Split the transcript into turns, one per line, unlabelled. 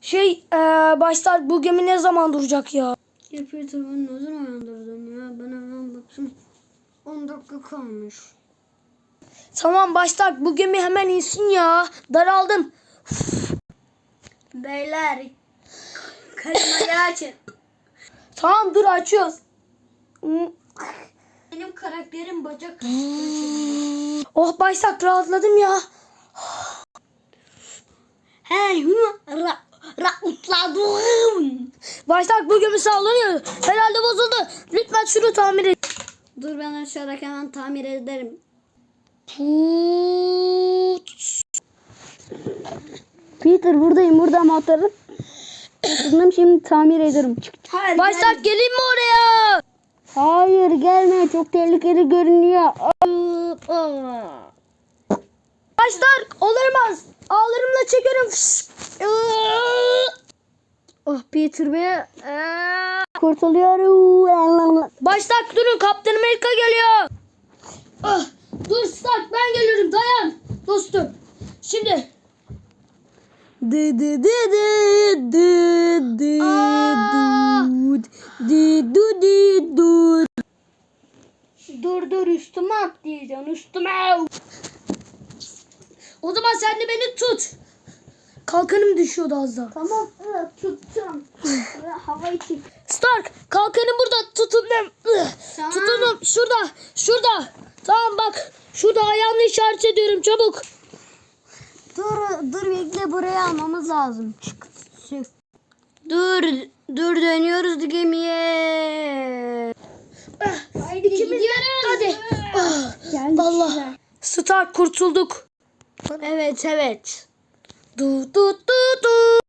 Başlar bu gemi ne zaman duracak ya?
Ya Peter beni ne zaman uyandırdın ya? Ben hemen baktım. 10 dakika kalmış.
Tamam başlar bu gemi hemen insin ya. Daraldım.
Beyler. Klimayı açın.
Tamam dur açıyoruz.
Benim karakterim bacak.
Oh başlar rahatladım ya.
Hey rahatladım.
Başlar bu gemi sallanıyor. Herhalde bozuldu. Lütfen şunu tamir et.
Dur ben aşağıdaki hemen tamir ederim. Peter buradayım. Burada motoru. Şimdi tamir ederim. Hayır,
Başlar gelin mi oraya?
Hayır gelme. Çok tehlikeli görünüyor.
Başlar olamaz. Ağlarımla çekerim.
Oh Peter be. Kurtuluyorum.
Başlar durun Kaptan Amerika geliyor. Dur Stark ben geliyorum dayan dostum. Şimdi.
Dur üstüme atlayacaksın üstüme.
O zaman sen de beni tut. Kalkanım düşüyordu az daha.
Tamam tuttum. Havayı çek.
Stark kalkanım burada tutundum.
Tamam.
Tutundum şurada. Tamam bak şurada ayağımla işaret ediyorum çabuk.
Dur bekle buraya almamız lazım. Çık. Dur dönüyoruz gemiye. Haydi gidiyoruz.
Hadi.
Geldik.
Allah. Stark kurtulduk.
Evet.
Du.